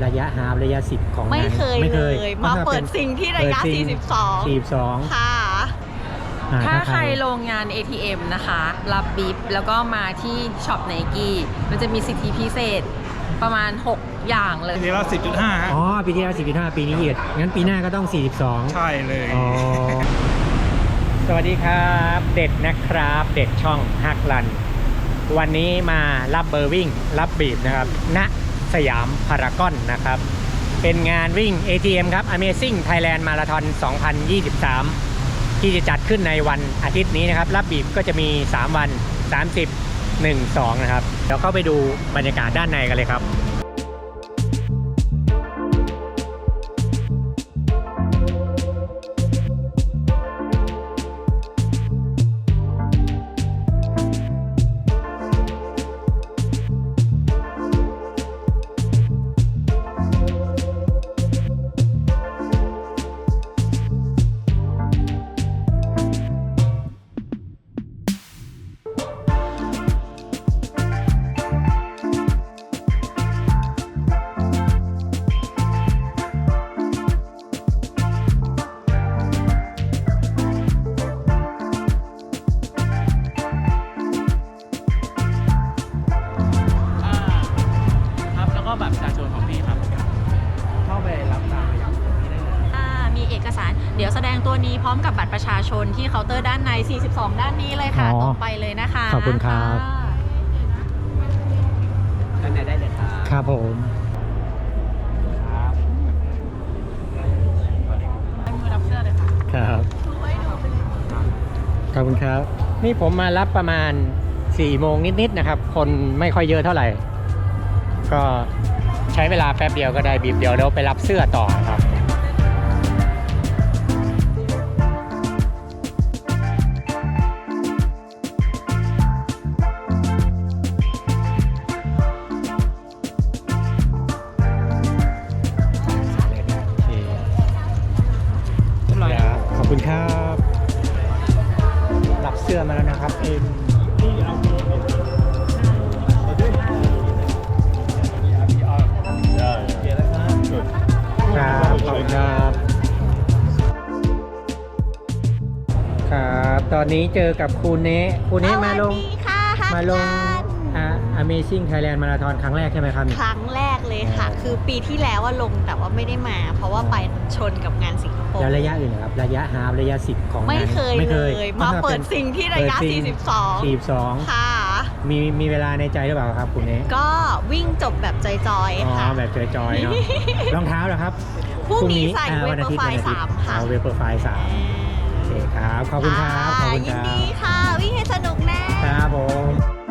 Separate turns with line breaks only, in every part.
ระยะฮาล์ฟระยะ10ของ
ไม่เคยเลยมาเปิดซิงที่ระยะ42ค่ะ
ถ้าใครลงงาน ATM นะคะรับบิฟแล้วก็มาที่ช็อปไนกี้มันจะมีสิทธิพิเศษประมาณ6อย่างเลย
ปีที่แล้ว10.5
อ๋อปีที่แล้ว10.5ปีนี้อีกงั้นปีหน้าก็ต้อง42
ใช่เลย
อ๋อสวัสดีครับเด็ดนะครับเด็ดช่องฮักลันวันนี้มารับเบอร์วิ่งรับบีบนะครับณสยามพารากอนนะครับเป็นงานวิ่ง ATM ครับ Amazing Thailand Marathon 2023 ที่จะจัดขึ้นในวันอาทิตย์นี้นะครับรับบีบก็จะมี3วัน30 1 2นะครับเดี๋ยวเข้าไปดูบรรยากาศด้านในกันเลยครับ
บัตรประชาชนของพี่ครับเข้าไปรับตามไปอย่างนี้ได้เลย
มีเอกสารเดี๋ยวแสดงตัวนี้พร้อมกับบัตรประชาชนที่เคาน์เตอร์ด้านใน42ด้านนี้เลยค่ะตรงไปเลยนะคะ
ขอบคุณครับ
ด้านในได้เลยครับ
ครับผม
มือรับเสื้อเลยค่ะ
ครับขอบคุณครับนี่ผมมารับประมาณ4 โมงนิดๆนะครับคนไม่ค่อยเยอะเท่าไหร่ก็ใช้เวลาแป๊บเดียวก็ได้บีบเดียวแล้วไปรับเสื้อต่อครับขอบคุณครับรับเสื้อมาแล้วนะครับครับขอบคุณครับครับตอนนี้เจอกับครูเนะมาลงAmazing Thailand Marathon ครั้งแรกใช่ไหมครับ
ครั้งแรกเลยค่ะคือปีที่แล้วลงแต่ว่าไม่ได้มาเพราะว่าไปชนกับงานสิงคโปร์
แล้วระยะอื่นครับระยะฮาล์ฟระยะ10ของ
ไม่เคยเลยมาเปิดซิงที่ระยะ42ค่ะ
มีเวลาในใจหรือเปล่าครับคุณเนะ
ก็วิ่งจบแบบจอยๆค่ะ
แบบจอยๆเนาะรองเท้าเหรอครับ
พรุ่งนี้ใส่เวเปอร์ไฟล์3ค่ะ
เวเปอร์ไฟล์3โอเคครับขอบคุณครับขอบคุณครับ
ยินดีค่ะวิ่งให้สนุกแน่
ครับผม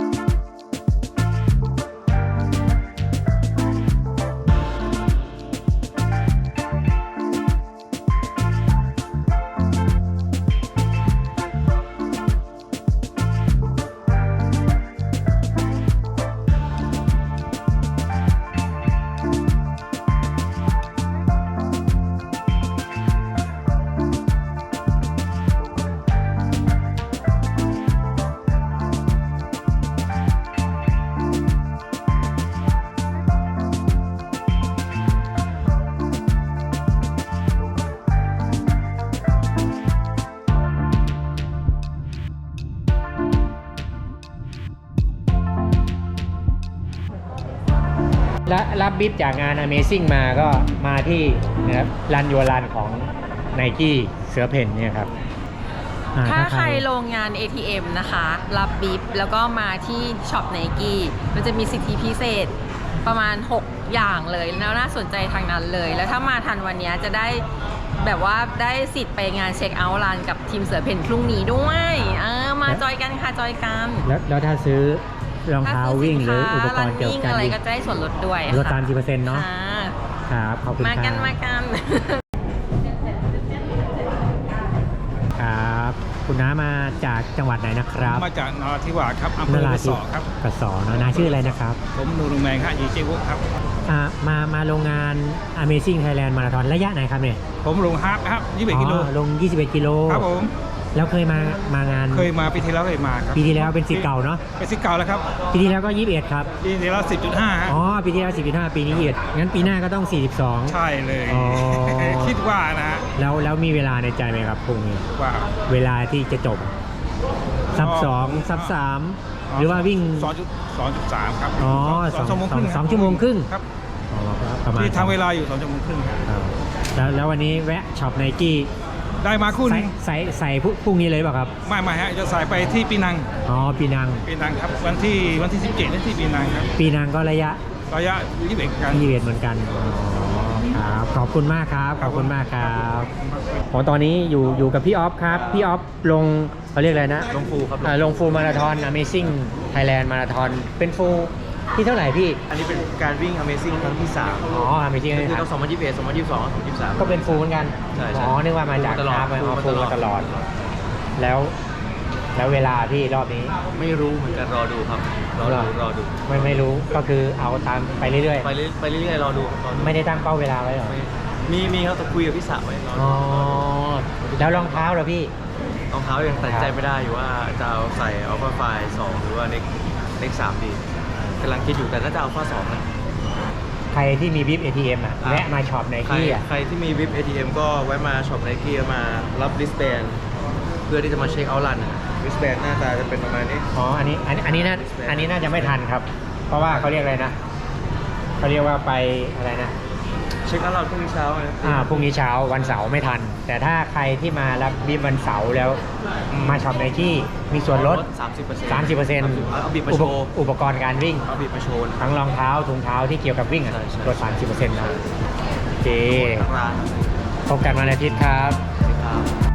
และรับบิฟจากงาน Amazing มาก็มาที่นะครับรันยัวรันของ Nike เสือเพ่นเนี่ยครับ
ถ้าใครลงงาน ATM นะคะรับบิฟแล้วก็มาที่ช็อปไนกี้มันจะมีสิทธิพิเศษประมาณ6อย่างเลยแล้วน่าสนใจทางนั้นเลยแล้วถ้ามาทันวันนี้จะได้แบบว่าได้สิทธิ์ไปงานเช็คเอาท์รันกับทีมเสือเพ่นพรุ่งนี้ด้วยมาจอยกันค่ะจอยกัน
แล้วถ้าซื้อรองเท้าวิ่งหรืออุปกรณ์เกี่ยวกับ
อะไรก็จะได้ส่วนลดด้วย
ลด30%เนาะครับขอบคุณครับ
มากัน
ครับคุณน้ามาจากจังหวัดไหนนะครับ
มาจากนราธิวาสครับอำเภอกระสอครับ
กระสอเนาะน้าชื่ออะไรนะครับ
ผมนูรุงแมงค่ะยีเจวุครับ
มาโรงงาน Amazing Thailand Marathon ระยะไหนครับเนี่ย
ผมลงฮาล์ฟครับ21 กิโล
ลง21 กิโล
ครับผม
แล้วเคยมางาน
เคยมาปีที่แล้วเคยมาครับ
ปีที่แล้วเป็นสิทธิ์เก่าเนาะ
เป็นสิทธิ์เก่าแล้วครับ
ปีที่แล้วก็21ครับ
ปีที่แล้ว10.5ฮะ
อ๋อปีที่แล้ว10.5ปีนี้21งั้นปีหน้าก็ต้อง42
ใช่เลย
อ๋อ
คิดว่านะฮะ
แล้วมีเวลาในใจไหมครับพรุ่งนี้
ว่า
เวลาที่จะจบซับ2ซับ3หรือว่าวิ่ง
2.3 ครับ
อ๋อ
2 ชั่วโมงครึ่ง
2ชั่วโมงครึ่ง
ครับ
อ๋อประมาณ
ที่ทำเวลาอยู่2 ชั่วโมงครึ่งครับ
แล้ววันนี้แวะช็อปไนกี้
ได้มาคู่หนึง
ใส่พรุ่งนี้เลยเปล่ะครับ
ไม่ฮะจะใส่ไปที่ปีนัง
อ๋อปีนัง
ปีนังครับวันที่17นี่ที่ปีนังครับ
ปีนังก็ระยะ
21กัน
21เหมือนกันอ๋อครับขอบคุณมากครับขอบคุณมากครับตอนนี้อยู่กับพี่ออฟครับพี่ออฟลงเขาเรียกอะไรนะ
ลงฟูครับ
ลงฟูลมาราธอน Amazing Thailand มาราธอนเป็นฟูลที่เท่าไหร่พี่
อันนี้เป็นการวิ่ง Amazing ครั้งที่ 3
อ๋อ Amazing
คือ
ค
ต้
รั
อบ ง2021 2022 2023
ก็เป็นฟูลเหมือนกัน
ใช่
อ๋อนึกว่ามาจาก
ตลอด
คาร์บ
ฟูล
ฟูล
มา
มา
ต
ต
ล
ล
อ
อ
ด
ด แล้วเวลาพี่รอบนี้
ไม่รู้เหมือนกันรอดูครับ รอดู
ไม่รู้ก็คือเอาตามไปเรื่อย
ไปเรื่อยๆรอดูครับ
ๆ ไม่ได้ตั้งเป้าเวลาไว้หรอ
มีครับแต่คุยกับพี่สาวไว้รอ
อ๋
ดู
อแล้วรองเท้าเหรอพี่
รองเท้ายังตัดสินใจไม่ได้อยู่ว่าจะเอาใส่ Alpha Fly 2 หรือว่า Next 3 ดีกำลังคิดอยู่แต่น่าจะ Alpha 2 นะ
ใครที่มีวิป ATM อ่ะแวะมาช็อปไนกี้อ่ะ
ใครที่มี VIP ATM ก็แวะมาช็อป Nike มารับ wristband เพื่อที่จะมาเช็คเอาท์รัน wristband หน้าตาจะเป็นประมาณนี้
อ๋ออันนี้น่าจะไม่ทันครับ เพราะว่าเขาเรียกอะไรนะเขาเรียกว่าไปอะไรนะ
เช็คเอาท์รันพรุ่งนี้เช้านะ
พรุ่งนี้เช้าวันเสาร์ไม่ทัน แต่ถ้าใครที่มารับวิปวันเสาร์แล้วมาช็อปไนกี้มีส่วนลด 30%
เอาบิบมาโชว์
อุปกรณ์การวิ่ง
เอาบิบมาโชว์นะ
ทั้งรองเท้าถุงเท้าที่เกี่ยวกับวิ่งอะ
ใช่ใช่
ลด 30%นะโอเค
ทั้งร้าน
พบกันวันอาทิตย์ครับ
ครับ